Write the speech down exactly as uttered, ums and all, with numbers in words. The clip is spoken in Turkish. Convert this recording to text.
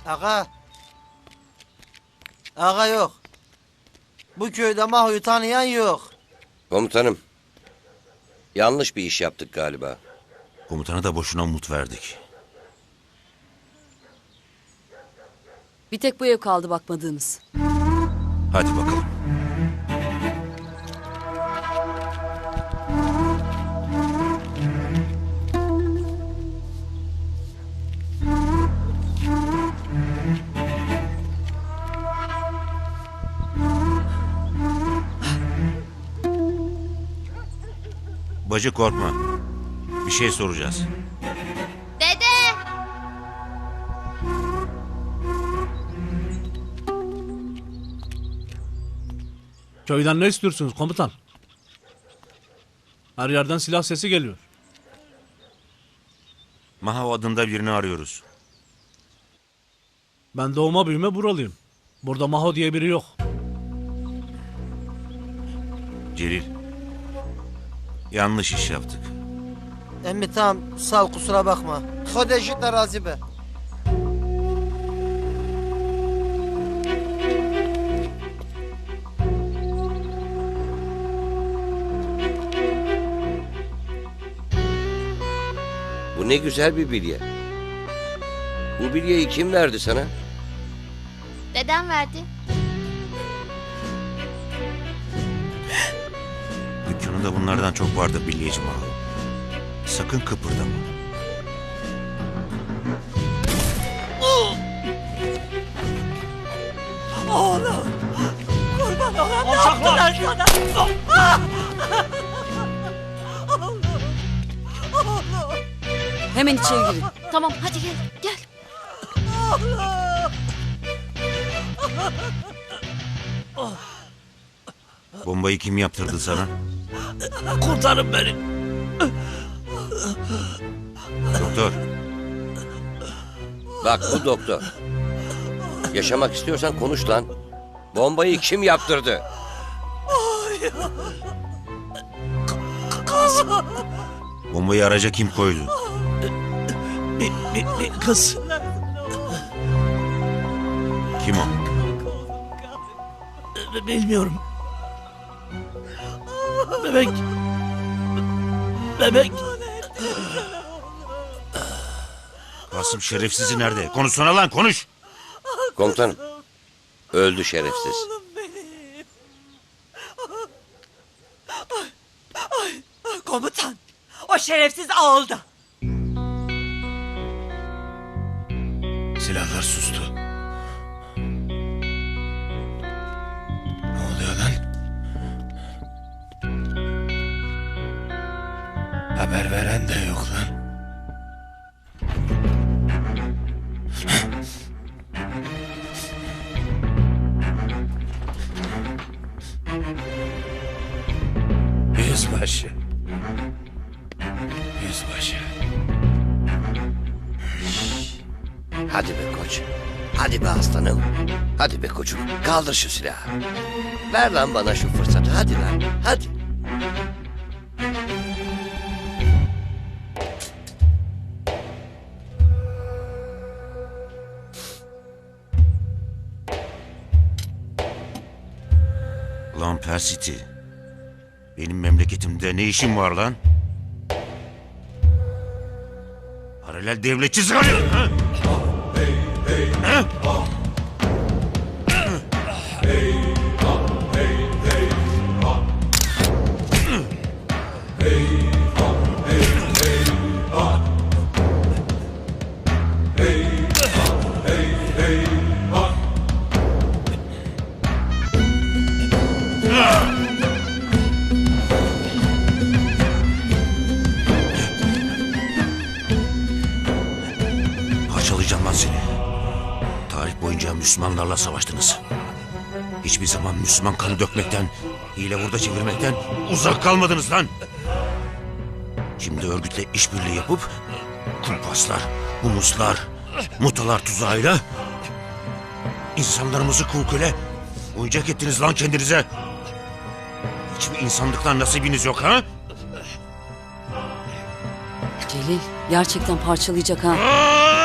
Aga. Aga yok. Bu köyde Maho'yu tanıyan yok. Komutanım. Yanlış bir iş yaptık galiba. Komutana da boşuna umut verdik. Bir tek bu ev kaldı bakmadığımız. Hadi bakalım. Bacı korkma. Bir şey soracağız. Dede! Köyden ne istiyorsunuz komutan? Her yerden silah sesi geliyor. Maho adında birini arıyoruz. Ben doğma büyüme buralıyım. Burada Maho diye biri yok. Celil. Yanlış iş yaptık. Emmi tamam sağ ol kusura bakma. Kodeşi terazi be. Bu ne güzel bir bilye. Bu bilyeyi kim verdi sana? Dedem verdi. Dükkanında bunlardan çok vardır bilyeci Maho. Sakın kıpırdama. Oğlum! Kurban olan ne yaptılar sana? Oğlum! Oğlum! Hemen içeri girin. Tamam hadi gel gel. Bombayı kim yaptırdı sana? Kurtarın beni. Doktor. Bak bu doktor. Yaşamak istiyorsan konuş lan. Bombayı kim yaptırdı? Bombayı araca kim koydu? Bir, bir, bir kız. Kim o? Bilmiyorum. Bebek. Bebek. Kasım şerefsizi nerede? Konuşsana lan konuş. Komutanım. Öldü şerefsiz. Oğlum benim! Ay, ay, ay, komutan! O şerefsiz ağılda! Silahlar sustu. Ne oluyor lan? Haber veren de yok lan. Yüzbaşı. Yüzbaşı. Hadi be koç. Hadi be aslanım. Hadi be koçum. Kaldır şu silahı. Ver lan bana şu fırsatı. Hadi lan. Hadi. Lan Persiti. Benim memleketimde ne işin var lan? Paralel devletçi zıgarıyor. Ha? Ha? Parçalayacağım lan seni. Tarih boyunca Müslümanlarla savaştınız. Hiçbir zaman Müslüman kanı dökmekten, hile vurda çevirmekten uzak kalmadınız lan. Şimdi örgütle işbirliği yapıp kumpaslar, humuslar, mutalar tuzağıyla insanlarımızı kul köle oyuncak ettiniz lan kendinize. Hiçbir insanlıktan nasibiniz yok ha? Celil gerçekten parçalayacak ha. Aa!